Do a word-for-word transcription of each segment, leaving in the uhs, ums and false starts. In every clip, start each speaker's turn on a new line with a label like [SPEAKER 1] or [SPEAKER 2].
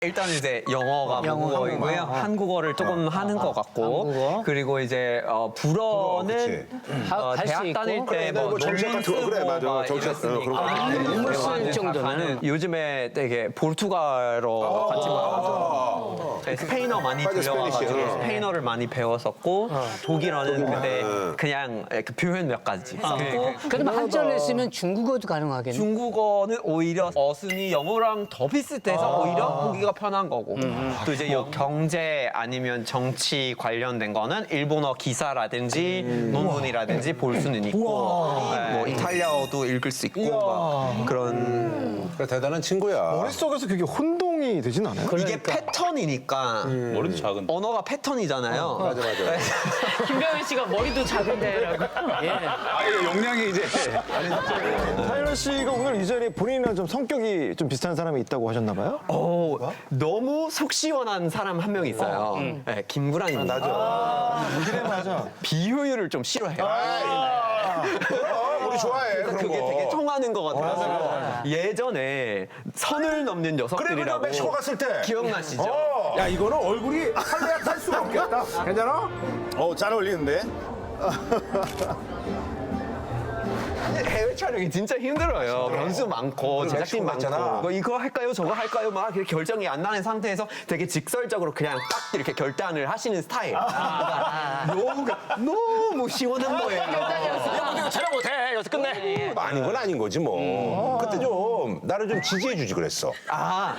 [SPEAKER 1] 일단 이제 영어가
[SPEAKER 2] 영어,
[SPEAKER 1] 모국어이고요.
[SPEAKER 2] 한국어.
[SPEAKER 1] 한국어를 조금 하는 것 같고,
[SPEAKER 2] 한국어.
[SPEAKER 1] 그리고 이제 어, 불어는
[SPEAKER 2] 하-
[SPEAKER 1] 어,
[SPEAKER 2] 할수
[SPEAKER 1] 대학
[SPEAKER 2] 있고.
[SPEAKER 1] 다닐 때
[SPEAKER 3] 그래,
[SPEAKER 1] 뭐
[SPEAKER 3] 뭐 정책 같은 거, 그래, 맞아.
[SPEAKER 1] 논문 쓰고
[SPEAKER 3] 정책,
[SPEAKER 1] 막
[SPEAKER 3] 어, 그런 거.
[SPEAKER 1] 이랬으니까.
[SPEAKER 3] 아,
[SPEAKER 2] 논문 쓸
[SPEAKER 1] 대학교에
[SPEAKER 2] 정도는.
[SPEAKER 1] 가는 요즘에 되게 포르투갈어 같이 말하고 네, 스페인어 많이
[SPEAKER 3] 맞아,
[SPEAKER 1] 들려와가지고
[SPEAKER 3] 스페니쉬, 어.
[SPEAKER 1] 스페인어를 많이 배웠었고 독일어는 근데 그냥 그 표현 몇 가지 썼고
[SPEAKER 2] 그럼 한자를 쓰면 중국어도 가능하겠네.
[SPEAKER 1] 중국어는 오히려 어순이 영어랑 더 비슷해서 오히려 보기가 편한 거고 또 이제 요 경제 아니면 정치 관련된 거는 일본어 기사라든지 논문이라든지 볼 수는 있고 네, 뭐 이탈리아어도 읽을 수 있고 막 그런
[SPEAKER 3] 그래, 대단한 친구야.
[SPEAKER 4] 머릿속에서 그게 혼동이 되진 않아요?
[SPEAKER 1] 이게 패턴이니까
[SPEAKER 5] 머리도 작은데.
[SPEAKER 1] 언어가 패턴이잖아요.
[SPEAKER 3] 맞아, 맞아.
[SPEAKER 6] 김병현 씨가 머리도 작은데라고.
[SPEAKER 2] 예.
[SPEAKER 5] 아예 용량이 이제
[SPEAKER 4] 타일러 씨가 오늘 이 자리에 본인이랑 좀 성격이 좀 비슷한 사람이 있다고 하셨나 봐요?
[SPEAKER 1] 어, 너무 속 시원한 사람 한 명 있어요. 네, 김구란입니다.
[SPEAKER 3] 맞아.
[SPEAKER 4] 그래 맞아.
[SPEAKER 1] 비효율을 좀 싫어해요.
[SPEAKER 3] 그럼 우리 좋아해, 그런
[SPEAKER 1] 그게
[SPEAKER 3] 거.
[SPEAKER 1] 되게 통하는 것 같아요. 예전에 선을 넘는
[SPEAKER 3] 그래, 그래,
[SPEAKER 1] 녀석들이라고
[SPEAKER 3] 멕시코 갔을 때.
[SPEAKER 1] 기억나시죠?
[SPEAKER 3] 어. 야, 이거는 얼굴이 할래야 탈 수가 없겠다. 괜찮아?
[SPEAKER 5] 어, 잘 어울리는데?
[SPEAKER 1] 해외 촬영이 진짜 힘들어요. 변수 많고 제작진
[SPEAKER 3] 멕시코
[SPEAKER 1] 많고
[SPEAKER 3] 갔잖아.
[SPEAKER 1] 뭐 이거 할까요 저거 할까요 막 이렇게 결정이 안 나는 상태에서 되게 직설적으로 그냥 딱 이렇게 결단을 하시는 스타일. 그러니까 너무 너무 시원한 거예요.
[SPEAKER 5] 이거 촬영 못해. 여기서 끝내.
[SPEAKER 3] 아닌 건 아닌 거지, 뭐. 그때 좀, 나를 좀 지지해주지 그랬어.
[SPEAKER 1] 아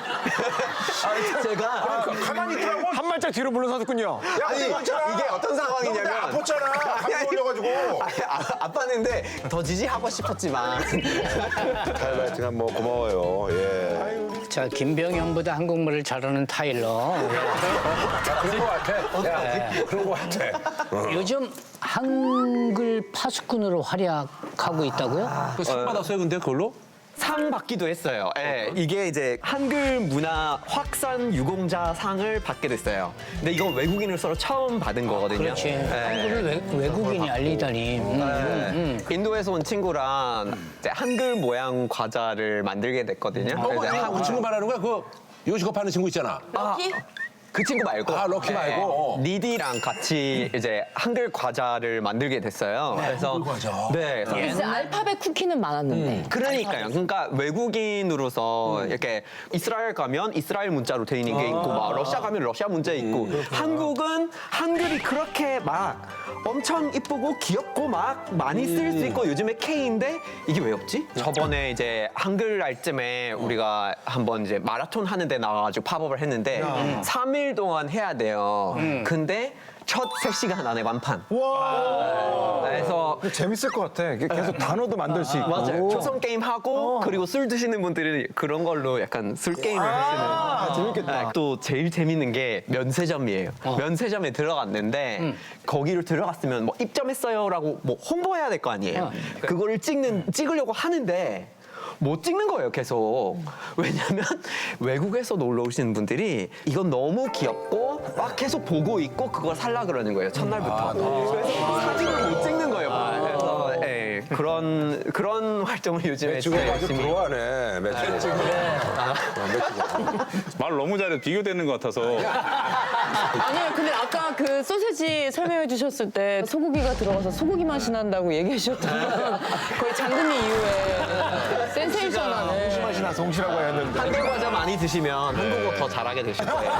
[SPEAKER 1] 제가
[SPEAKER 3] 가만히 있더라고.
[SPEAKER 4] 한 발짝 뒤로 물러섰군요.
[SPEAKER 3] 야,
[SPEAKER 1] 아니
[SPEAKER 3] 이거 있잖아.
[SPEAKER 1] 이게 어떤 상황이냐면
[SPEAKER 3] 너 그때 아팠잖아. 감기
[SPEAKER 1] 아니,
[SPEAKER 3] 걸려가지고.
[SPEAKER 1] 아니, 아, 아팠는데 더 지지하고 싶었지만
[SPEAKER 3] 타일러 하여튼 뭐 고마워요. 예.
[SPEAKER 2] 자, 김병현보다 한국말을 잘하는 타일러.
[SPEAKER 3] 그런 거 같아. 야, 그런 거 같아.
[SPEAKER 2] 요즘 한글 파수꾼으로 활약하고 있다고요?
[SPEAKER 5] 상 받았어요, 근데 그걸로?
[SPEAKER 1] 상 받기도 했어요. 예, 이게 이제 한글 문화 확산 유공자 상을 받게 됐어요. 근데 이건 외국인으로서 처음 받은 거거든요.
[SPEAKER 2] 그렇지.
[SPEAKER 1] 예.
[SPEAKER 2] 한글을 외, 외국인이 알리다니. 음, 음,
[SPEAKER 1] 네. 인도에서 온 친구랑 이제 한글 모양 과자를 만들게 됐거든요.
[SPEAKER 3] 어,
[SPEAKER 1] 그래서
[SPEAKER 3] 그
[SPEAKER 1] 한-
[SPEAKER 3] 친구 말하는 거야? 그 요식업 하는 친구 있잖아.
[SPEAKER 6] 럭키?
[SPEAKER 1] 그 친구 말고.
[SPEAKER 3] 아, 럭키 말고? 어.
[SPEAKER 1] 리디랑 같이 이제 한글 과자를 만들게 됐어요. 그래서
[SPEAKER 3] 한글 과자.
[SPEAKER 1] 네. 그래서
[SPEAKER 6] 이제 알파벳 쿠키는 많았는데.
[SPEAKER 1] 그러니까요. 그러니까 외국인으로서 이렇게 이스라엘 가면 이스라엘 문자로 돼 있는 게 있고, 막 러시아 가면 러시아 문자 있고, 한국은 한글이 그렇게 막 엄청 이쁘고 귀엽고 막 많이 쓸 수 있고 요즘에 K인데 이게 왜 없지? 저번에 이제 한글 날쯤에 우리가 한번 이제 마라톤 하는데 나와가지고 팝업을 했는데 삼 일 동안 해야 돼요. 근데 첫 세 시간 안에 완판.
[SPEAKER 4] 와.
[SPEAKER 1] 그래서
[SPEAKER 4] 재밌을 것 같아. 계속 단어도 만들 수 있고.
[SPEAKER 1] 맞아요. 초성 게임 하고 그리고 술 드시는 분들이 그런 걸로 약간 술 게임을 하시는.
[SPEAKER 4] 아, 재밌겠다.
[SPEAKER 1] 네, 또 제일 재밌는 게 면세점이에요. 면세점에 들어갔는데 거기를 들어갔으면 뭐 입점했어요라고 뭐 홍보해야 될 거 아니에요. 그거를 찍는 찍으려고 하는데. 못 찍는 거예요, 계속. 왜냐면 외국에서 놀러 오시는 분들이 이건 너무 귀엽고 막 계속 보고 있고 그걸 살라 그러는 거예요, 첫날부터. 그래서 사진을 못 찍는 거예요. 그래서 예, 그런 그런 활동을 요즘에
[SPEAKER 3] 매치고가
[SPEAKER 1] 진짜
[SPEAKER 3] 아주
[SPEAKER 1] 열심히.
[SPEAKER 3] 부러워하네, 매치고.
[SPEAKER 5] 말 너무 잘해. 비교되는 것 같아서.
[SPEAKER 6] 아니요, 근데 아까 그 소세지 설명해 주셨을 때 소고기가 들어가서 소고기 맛이 난다고 얘기해 주셨던 거의 장금리 이후에 센세이션하는.
[SPEAKER 4] 맛이 나서 홍시라고 했는데.
[SPEAKER 1] 한글 과자 많이 드시면 한국어 더 잘하게 되실 거예요.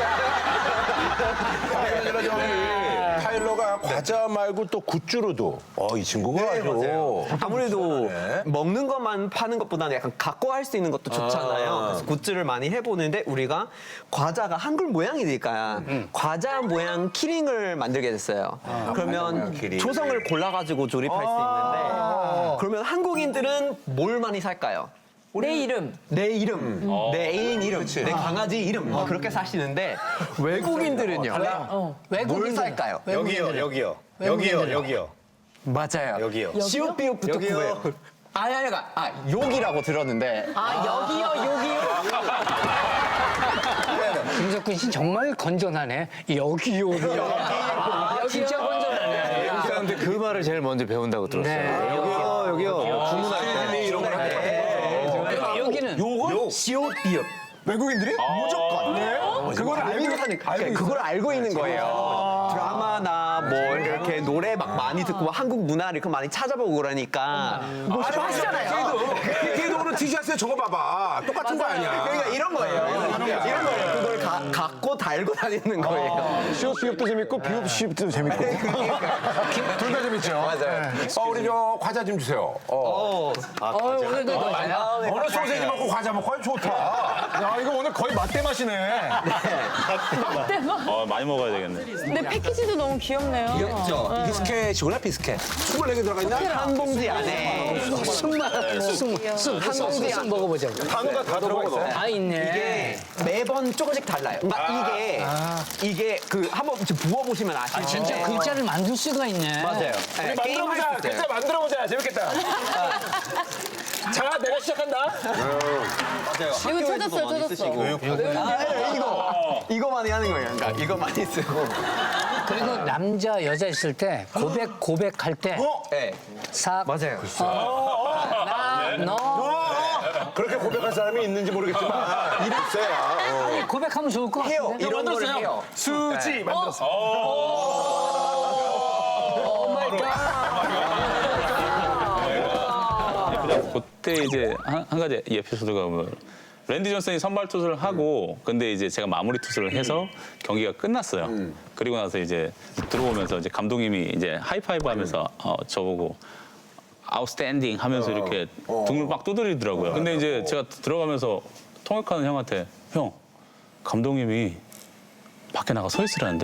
[SPEAKER 3] 아니라 저기 타일러가 과자 말고 또 굿즈로도 어, 이 친구가 아주
[SPEAKER 1] 아무래도 먹는 것만 파는 것보다는 약간 갖고 할 수 있는 것도 좋잖아요. 그래서 굿즈를 많이 해보는데 우리가 과자가 한글 모양이니까 과자 모양 키링을 만들게 됐어요. 그러면
[SPEAKER 3] 모양 키링.
[SPEAKER 1] 조성을 골라가지고 조립할 수 있는데 그러면 한국인들은 뭘 많이 살까요?
[SPEAKER 6] 내 이름.
[SPEAKER 1] 내 이름, 내 애인 이름, 내 강아지 이름 뭐 그렇게 사시는데 외국인들은요. 뭘
[SPEAKER 2] 외국인들은.
[SPEAKER 1] 살까요?
[SPEAKER 2] 외국인들은.
[SPEAKER 7] 여기요.
[SPEAKER 2] 외국인들은.
[SPEAKER 7] 여기요. 여기요.
[SPEAKER 1] 맞아요.
[SPEAKER 7] 여기요.
[SPEAKER 1] 시옷비옷부터
[SPEAKER 7] 여기요.
[SPEAKER 1] 구해요. 아니 아니가 아 욕이라고 들었는데
[SPEAKER 6] 아, 여기요, 여기요.
[SPEAKER 2] 김석근 씨 정말 건전하네. 여기요. 아, 진짜 건전하네.
[SPEAKER 7] 근데 그 말을 제일 먼저 배운다고 들었어요.
[SPEAKER 2] 네.
[SPEAKER 7] 여기요. 여기요. 주문할 때.
[SPEAKER 3] 이런 거
[SPEAKER 2] 여기는
[SPEAKER 1] 요건 시옷비옷.
[SPEAKER 4] 외국인들이? 무조건. 네. 그걸 알고
[SPEAKER 1] 알고 사는 그걸 알고 있는 거예요. 드라마나 뭐 이렇게 노래 막 많이 듣고 막 한국 문화를 이렇게 많이 찾아보고 그러니까 뭐 하시잖아요.
[SPEAKER 3] 걔도 오늘 티셔츠에 저거 봐봐. 똑같은 거 아니야.
[SPEAKER 1] 그러니까 이런 거예요. 이런 거예요. 그걸 가, 갖고 달고 다니는 거예요.
[SPEAKER 4] 시옷 비읍도 재밌고 비읍 시읍도 재밌고. 둘 다 재밌죠.
[SPEAKER 1] 맞아요.
[SPEAKER 3] 어, 우리 저 과자 좀 주세요. 어.
[SPEAKER 6] 어, 오늘도 너
[SPEAKER 3] 오늘 소세지 먹고 과자 먹고 아주 좋다.
[SPEAKER 4] 야 이거 오늘 거의 맛대 맛이네.
[SPEAKER 5] 어, 많이 먹어야 되겠네.
[SPEAKER 6] 근데 패키지도 너무 귀엽네요.
[SPEAKER 1] 귀엽죠?
[SPEAKER 3] 비스켓이구나, 비스켓. 스물네 개 들어가 있나?
[SPEAKER 1] 한 봉지 안에
[SPEAKER 2] 쑥만 쑥쑥쑥 먹어보자고.
[SPEAKER 4] 단어가 다 들어가 있어요.
[SPEAKER 2] 다 있네.
[SPEAKER 1] 이게 매번 조금씩 달라요. 그러니까 이게 이게 그 한번 부어 보시면 아시죠?
[SPEAKER 2] 진짜 글자를 만들 수가 있네.
[SPEAKER 1] 맞아요. 네, 게임 할수 있어요.
[SPEAKER 4] 글자 만들어보자. 재밌겠다. 자, 내가 시작한다.
[SPEAKER 6] 이거 찾았어요, 찾았어.
[SPEAKER 1] 아, 이거 이거 많이 하는 거예요. 그러니까 이거 많이 쓰고.
[SPEAKER 2] 그리고 남자 여자 있을 때 고백 고백할 때
[SPEAKER 1] 네.
[SPEAKER 2] 싹
[SPEAKER 1] 맞아요.
[SPEAKER 2] 나너
[SPEAKER 3] 그렇게 고백할 사람이 있는지 모르겠지만 이랬어야.
[SPEAKER 2] 고백하면 좋을 것
[SPEAKER 1] 해요.
[SPEAKER 2] 같은데.
[SPEAKER 1] 이런 거를 해요.
[SPEAKER 4] 수지 만들었어.
[SPEAKER 5] 그때 이제 한, 한 가지 이 에피소드가 뭐 랜디 존슨이 선발 투수를 하고 근데 이제 제가 마무리 투수를 해서 경기가 끝났어요. 그리고 나서 이제 들어오면서 이제 감독님이 이제 하이파이브 하면서 어, 저보고 아웃스탠딩 하면서 이렇게 등을 막 두드리더라고요. 근데 이제 제가 들어가면서 통역하는 형한테 형 감독님이 밖에 나가 서 있으라는데?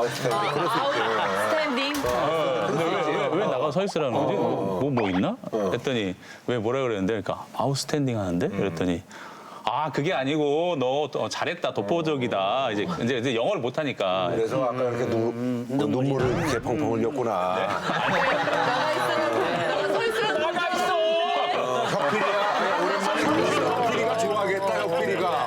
[SPEAKER 6] 스탠딩.
[SPEAKER 5] 근데 왜, 왜 나가 서 있으라는 거지? 뭐, 뭐 있나? 했더니 왜 뭐라 그랬는데 그러니까 아웃스탠딩 하는데? 그랬더니 아 그게 아니고 너 어, 잘했다 독보적이다 이제 이제, 이제 영어를 못 하니까
[SPEAKER 3] 그래서 아까 이렇게 눈, 그 눈물을 이렇게 펑펑 흘렸구나.
[SPEAKER 6] 나가 있으라는 나가 서 있으라는 나가 있어.
[SPEAKER 3] 혁필이가 좋아하겠다, 혁필이가.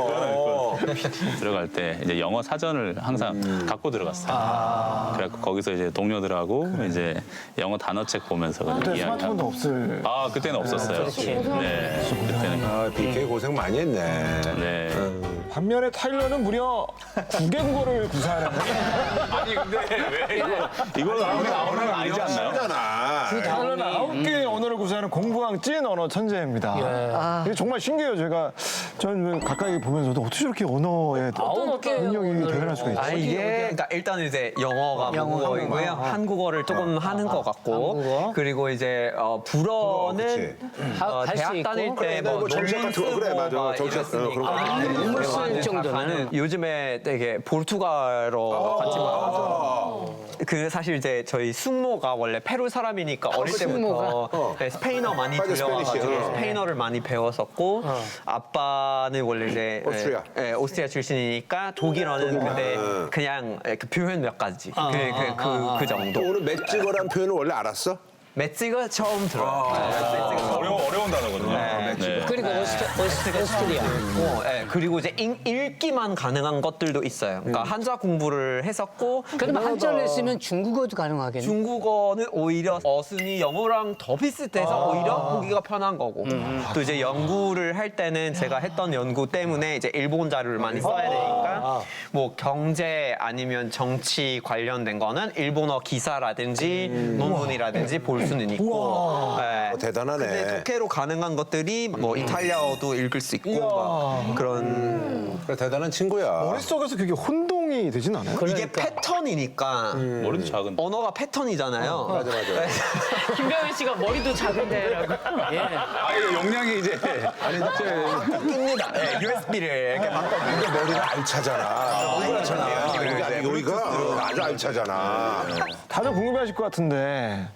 [SPEAKER 3] 어.
[SPEAKER 5] 들어갈 때 이제 영어 사전을 항상 갖고 들어갔어요. 그래서 거기서 이제 동료들하고 이제 영어 단어책 보면서 그냥
[SPEAKER 4] 그때
[SPEAKER 5] 이야기하고.
[SPEAKER 4] 스마트폰도 없을.
[SPEAKER 5] 아 그때는 없었어요. 네, 그때는
[SPEAKER 3] 아, 비케이 고생 많이 했네.
[SPEAKER 5] 네.
[SPEAKER 4] 반면에 타일러는 무려 구 개 국어를 구사하는.
[SPEAKER 5] 아니 근데 왜 이거 이거는 아무리 언어는 아니지 않나요?
[SPEAKER 3] 잖아.
[SPEAKER 4] 타일러는 아홉 개의 언어를 구사하는 공부왕 찐 언어 천재입니다. 이게 정말 신기해요. 제가 저는 가까이 보면서도 어떻게 저렇게 언어에
[SPEAKER 2] 아홉 개
[SPEAKER 4] 능력이 대단할 수가
[SPEAKER 1] 아
[SPEAKER 4] 있지?
[SPEAKER 1] 이게 그러니까 일단 이제 영어가 모국어이고요. 한국어를 조금 하는 것 같고
[SPEAKER 2] 한국어.
[SPEAKER 1] 그리고 이제 어, 불어는
[SPEAKER 2] 하-
[SPEAKER 1] 어,
[SPEAKER 2] 할수
[SPEAKER 1] 대학
[SPEAKER 2] 있고.
[SPEAKER 1] 다닐
[SPEAKER 3] 그래,
[SPEAKER 1] 때뭐
[SPEAKER 3] 뭐 정책 같은 거, 그래, 맞아. 정책, 어, 그런 거.
[SPEAKER 2] 논문 쓸 정도는.
[SPEAKER 1] 요즘에 되게 포르투갈어 같이 막 그 사실 이제 저희 숙모가 원래 페루 사람이니까 어릴 때부터 네, 스페인어 많이
[SPEAKER 3] 맞아,
[SPEAKER 1] 들려와가지고
[SPEAKER 3] 스페니쉬, 어.
[SPEAKER 1] 스페인어를 많이 배웠었고 아빠는 원래 이제
[SPEAKER 3] 오스트리아.
[SPEAKER 1] 예, 예, 오스트리아 출신이니까 독일어는 근데 그냥 그 표현 몇 가지 그, 그, 그, 그 정도.
[SPEAKER 3] 오늘 맷찍어란 표현을 원래 알았어?
[SPEAKER 1] 매치가 처음 들어요. 네, 매치가 처음.
[SPEAKER 5] 어려운 어려운 단어거든요. 네.
[SPEAKER 2] 그리고 오스트, 오스트, 오스트리아.
[SPEAKER 1] 고 예, 그리고 이제 읽, 읽기만 가능한 것들도 있어요. 그러니까 한자 공부를 했었고
[SPEAKER 2] 그러면 한자를 했으면 중국어도 가능하겠네.
[SPEAKER 1] 중국어는 오히려 어순이 영어랑 더 비슷해서 오히려 보기가 편한 거고 또 이제 연구를 할 때는 제가 했던 연구 때문에 이제 일본 자료를 많이 써야 되니까 뭐 경제 아니면 정치 관련된 거는 일본어 기사라든지 논문이라든지 볼 수는 있고 네.
[SPEAKER 3] 어, 대단하네.
[SPEAKER 1] 근데 독해로 가능한 것들이 뭐 이탈리아어도 읽을 수 있고 막 그런
[SPEAKER 3] 그래, 대단한 친구야.
[SPEAKER 4] 머릿속에서 그게 혼동이 되진 않아요?
[SPEAKER 1] 이게 패턴이니까
[SPEAKER 5] 머리도 작은.
[SPEAKER 1] 언어가 패턴이잖아요.
[SPEAKER 3] 맞아, 맞아.
[SPEAKER 6] 김병현 씨가 머리도 작은데라고.
[SPEAKER 2] 예.
[SPEAKER 5] 아 이거 용량이 이제
[SPEAKER 1] 낍니다. 네, 유에스비를 이렇게 바꿔.
[SPEAKER 3] 근데 머리가 알차잖아. 그렇잖아. 여기가 아주 알차잖아.
[SPEAKER 4] 다들 궁금해하실 것 같은데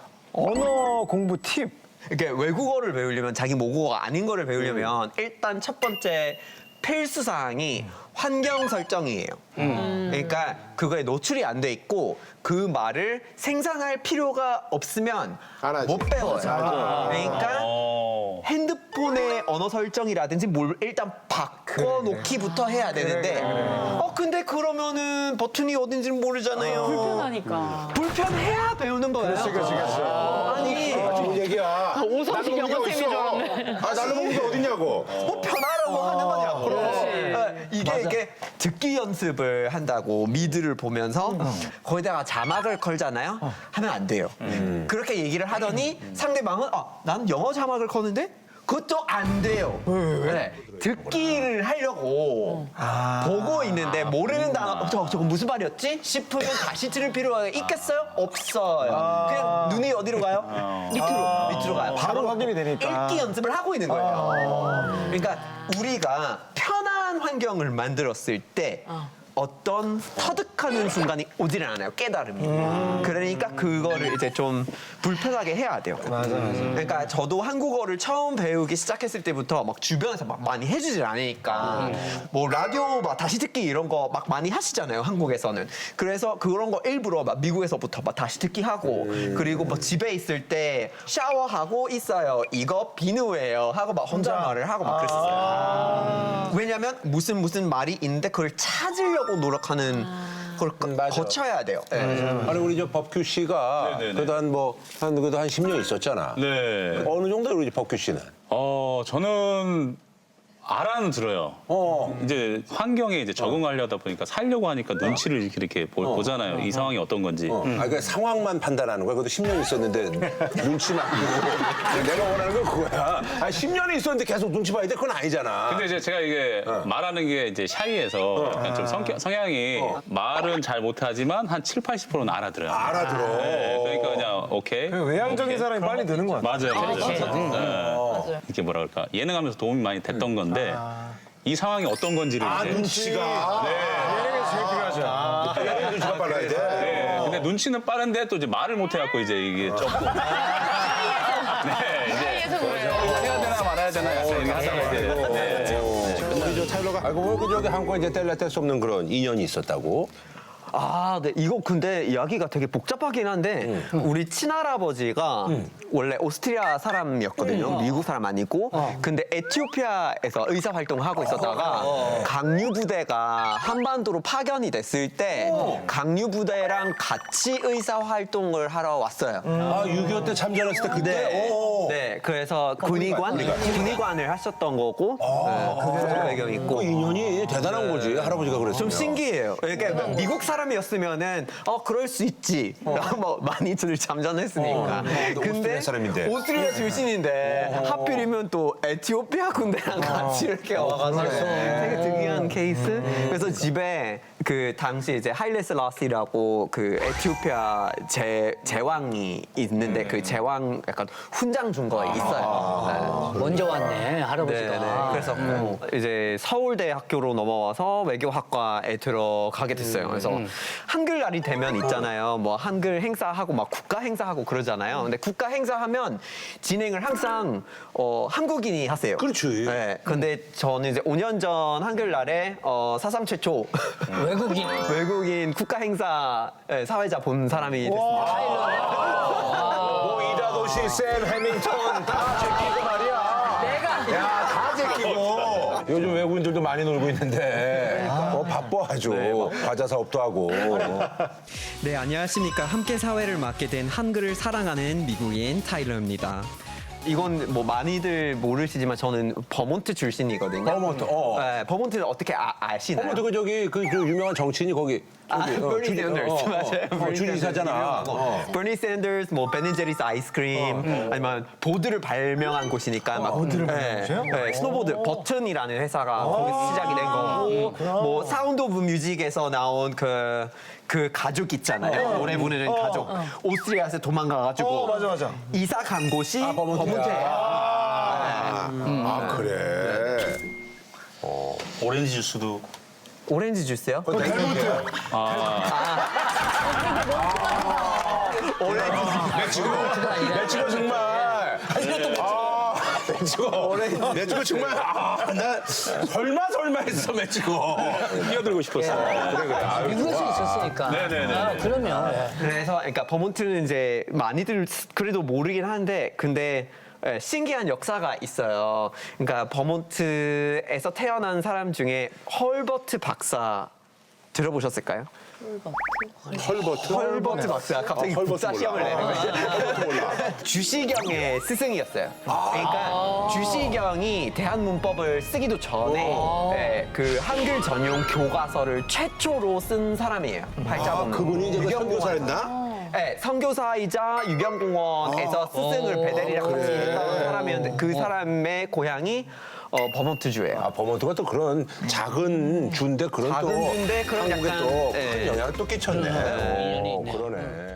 [SPEAKER 4] 언어 공부 팁.
[SPEAKER 1] 이렇게 외국어를 배우려면 자기 모국어가 아닌 거를 배우려면 일단 첫 번째 필수 사항이 환경 설정이에요. 그러니까 그거에 노출이 안 돼 있고 그 말을 생산할 필요가 없으면
[SPEAKER 3] 안 하지.
[SPEAKER 1] 못 배워요. 그러니까
[SPEAKER 5] 어.
[SPEAKER 1] 핸드폰의 언어 설정이라든지 뭘 일단 바꿔놓기부터 해야 되는데 어 근데 그러면은 버튼이 어딘지는 모르잖아요.
[SPEAKER 6] 편하니까.
[SPEAKER 1] 불편해야 배우는 거예요. 아니
[SPEAKER 3] 좋은 얘기야.
[SPEAKER 6] 오성식
[SPEAKER 3] 나는
[SPEAKER 6] 영어
[SPEAKER 3] 먹는 게
[SPEAKER 6] 쌤인 줄
[SPEAKER 3] 어딨어?
[SPEAKER 6] 알았네.
[SPEAKER 3] 아, 나는 먹는 게 어딨냐고.
[SPEAKER 1] 뭐 편하라고 하는 거냐고. 이게 이게 듣기 연습을 한다고 미드를 보면서 거기다가 자막을 걸잖아요. 하면 안 돼요. 그렇게 얘기를 하더니 상대방은 아, 난 영어 자막을 거는데 그것도 안 돼요. 네. 듣기를 하려고 보고 있는데 모르는 단어 어, 저거, 저거 무슨 말이었지? 싶으면 다시 들을 필요가 있겠어요? 없어요. 그냥 눈이 어디로 가요? 밑으로 밑으로 가요.
[SPEAKER 4] 바로 확인이 되니까.
[SPEAKER 1] 읽기 연습을 하고 있는 거예요. 그러니까 우리가 편한 환경을 만들었을 때 어떤 터득하는 순간이 오지를 않아요. 깨달음이. 그러니까 그거를 이제 좀 불편하게 해야 돼요.
[SPEAKER 4] 맞아, 맞아.
[SPEAKER 1] 그러니까 저도 한국어를 처음 배우기 시작했을 때부터 막 주변에서 막 많이 해주질 않으니까 뭐 라디오 막 다시 듣기 이런 거 막 많이 하시잖아요. 한국에서는. 그래서 그런 거 일부러 막 미국에서부터 막 다시 듣기 하고 그리고 뭐 집에 있을 때 샤워하고 있어요. 이거 비누예요. 하고 막 혼잣말을 하고 막 그랬어요. 왜냐면 무슨 무슨 말이 있는데 그걸 찾으려고 노력하는 걸 거-
[SPEAKER 3] 음, 맞아.
[SPEAKER 1] 거쳐야 돼요. 네.
[SPEAKER 3] 아니 우리 저 법규 씨가
[SPEAKER 5] 네네네.
[SPEAKER 3] 그래도 한 뭐 한 그래도 한 십 년 있었잖아.
[SPEAKER 5] 네.
[SPEAKER 3] 어느 정도 우리 법규 씨는?
[SPEAKER 5] 어, 저는 알아는 들어요.
[SPEAKER 3] 어.
[SPEAKER 5] 이제 환경에 이제 적응하려다 보니까 살려고 하니까 눈치를 이렇게, 이렇게 보, 잖아요이 상황이 어떤 건지.
[SPEAKER 3] 어. 아, 그 상황만 판단하는 거야. 그래도 십 년 있었는데 눈치 막 보고 내가 원하는 건 그거야. 아, 십 년이 있었는데 계속 눈치 봐야 돼? 그건 아니잖아.
[SPEAKER 5] 근데 이제 제가 이게 말하는 게 이제 샤이해서 약간 좀 성격, 성향이 말은 잘 못하지만 한 칠, 팔십 퍼센트는 알아들어요.
[SPEAKER 3] 알아들어.
[SPEAKER 5] 네, 그러니까 그냥 오케이.
[SPEAKER 4] 그 외향적인
[SPEAKER 5] 오케이.
[SPEAKER 4] 사람이 빨리 느는 것 같아.
[SPEAKER 5] 맞아요. 맞아요.
[SPEAKER 2] 그렇지.
[SPEAKER 5] 네.
[SPEAKER 6] 맞아요.
[SPEAKER 5] 이렇게 뭐라 그럴까. 예능하면서 도움이 많이 됐던 건데 이 상황이 어떤 건지를
[SPEAKER 3] 아,
[SPEAKER 5] 이제
[SPEAKER 3] 눈치가.
[SPEAKER 4] 예능에서 제일 필요하죠.
[SPEAKER 3] 아, 얘는 눈치가 빨라야 돼.
[SPEAKER 5] 네, 근데 눈치는 빠른데 또 이제 말을 못 해갖고 이제 이게 조금. 네, 이제
[SPEAKER 6] 사이에서 그래요.
[SPEAKER 5] 해야 되나 말아야 되나 약간 이렇게 하다가 이제. 네.
[SPEAKER 3] 우리 저 타일러가 알고 보면 그 저기 한국에 이제 뗄래 뗄 수 없는 그런 인연이 있었다고.
[SPEAKER 1] 아, 네. 이거 근데 이야기가 되게 복잡하긴 한데 우리 친할아버지가 원래 오스트리아 사람이었거든요. 미국 사람 아니고. 근데 에티오피아에서 의사 활동을 하고 있었다가 강류 부대가 한반도로 파견이 됐을 때 강류 부대랑 같이 의사 활동을 하러 왔어요.
[SPEAKER 3] 아, 육이오 때 참전했을 때 그때?
[SPEAKER 1] 네.
[SPEAKER 3] 오.
[SPEAKER 1] 네. 그래서 군의관, 군의관을 하셨던 거고. 네. 그런 배경이 있고.
[SPEAKER 3] 그 인연이 대단한 거지. 할아버지가 그랬으면.
[SPEAKER 1] 좀 신기해요. 그러니까 미국 사람이었으면은 어 그럴 수 있지. 뭐 많이 들 잠잠했으니까.
[SPEAKER 3] 근데 오스트리아 사람인데.
[SPEAKER 1] 오스트리아 출신인데 하필이면 또 에티오피아 군대랑 같이 이렇게 와가지고 되게 특이한 케이스. 그래서 집에 그 당시 이제 하일레 슬라시라고 그 에티오피아 제 제왕이 있는데 그 제왕 약간 훈장 준 거 있어요. 네.
[SPEAKER 2] 먼저 왔네 할아버지가.
[SPEAKER 1] 네네. 그래서 뭐 이제 서울대 학교로 넘어와서 외교학과에 들어가게 됐어요. 그래서 한글날이 되면 있잖아요. 뭐 한글 행사하고 막 국가 행사하고 그러잖아요. 근데 국가 행사하면 진행을 항상 어, 한국인이 하세요.
[SPEAKER 3] 그렇지.
[SPEAKER 1] 네. 근데 저는 이제 오 년 전 한글날에 어, 사상 최초
[SPEAKER 2] 외국인.
[SPEAKER 1] 외국인 국가 행사 예, 사회자 본 사람이 됐습니다.
[SPEAKER 3] 뭐 이다도시, 샘 해밍턴 다 제끼고 말이야.
[SPEAKER 6] 내가
[SPEAKER 3] 야, 다 제끼고. 요즘 외국인들도 많이 놀고 있는데 어, 바빠 아주. 과자 사업도 하고.
[SPEAKER 1] 네, 안녕하십니까. 함께 사회를 맡게 된 한글을 사랑하는 미국인 타일러입니다. 이건 뭐 많이들 모르시지만 저는 버몬트 출신이거든요.
[SPEAKER 3] 버몬트, 어.
[SPEAKER 1] 네, 버몬트는 어떻게 아, 아시나요?
[SPEAKER 3] 어머, 그 저기 그, 그 유명한 정치인이 거기.
[SPEAKER 1] 아,
[SPEAKER 3] 저기, 어,
[SPEAKER 1] 버니
[SPEAKER 3] 주지-
[SPEAKER 1] 샌더스
[SPEAKER 3] 어, 어,
[SPEAKER 1] 맞아요.
[SPEAKER 3] 어, 주지사잖아. 어.
[SPEAKER 1] 버니 샌더스, 뭐 베네제리스 아이스크림, 아니면 보드를 발명한 곳이니까 막 보드를 발명하세요? 네, 스노보드 버튼이라는 회사가 거기서 시작이 된 거고, 뭐 사운드 오브 뮤직에서 나온 그. 그 가족 있잖아요. 노래 부르는 가족. 오스트리아에서 도망가가지고
[SPEAKER 4] 어, 맞아, 맞아.
[SPEAKER 1] 이사 간 곳이 버몬트예요.
[SPEAKER 3] 아, 아, 그래.
[SPEAKER 5] 오렌지 주스도.
[SPEAKER 1] 오렌지 주스요?
[SPEAKER 4] 델몬트.
[SPEAKER 3] 멕시코. 멕시코 정말. 아, 멕시코. 멕시코 정말. 아, 나 설마 설마 했어, 멕시코.
[SPEAKER 5] 끼어들고 싶었어요.
[SPEAKER 3] 그래, 그래. 아유,
[SPEAKER 2] 미국에서
[SPEAKER 3] 좋아.
[SPEAKER 2] 있었으니까.
[SPEAKER 5] 네네네.
[SPEAKER 2] 아, 그럼요. 예.
[SPEAKER 1] 그래서 그러니까 버몬트는 이제 많이들 그래도 모르긴 하는데 근데 예, 신기한 역사가 있어요. 그러니까 버몬트에서 태어난 사람 중에 헐버트 박사 들어보셨을까요?
[SPEAKER 3] 헐버트?
[SPEAKER 1] 헐버트 박사 갑자기
[SPEAKER 3] 아, 헐버트
[SPEAKER 1] 국사
[SPEAKER 3] 몰라.
[SPEAKER 1] 시험을 내는 거죠.
[SPEAKER 3] 헐버트 몰라.
[SPEAKER 1] 주시경의 스승이었어요. 그러니까 주시경이 대한문법을 쓰기도 전에 네, 그 한글 전용 교과서를 최초로 쓴 사람이에요. 팔자본문.
[SPEAKER 3] 아, 그분이 이제 그
[SPEAKER 1] 유경공원.
[SPEAKER 3] 선교사였나?
[SPEAKER 1] 네, 선교사이자 유경공원에서 스승을 베델이랑 같이 했던 사람이었는데 그 사람의 고향이 어, 버몬트주예요.
[SPEAKER 3] 아, 버몬트가 또 그런 작은 주인데 그런
[SPEAKER 1] 작은
[SPEAKER 3] 또
[SPEAKER 1] 주인데 그런
[SPEAKER 3] 한국에
[SPEAKER 1] 약간,
[SPEAKER 3] 또 큰
[SPEAKER 1] 네.
[SPEAKER 3] 영향을 또 끼쳤네.
[SPEAKER 2] 인연이
[SPEAKER 3] 어,
[SPEAKER 2] 있네.
[SPEAKER 3] 그러네.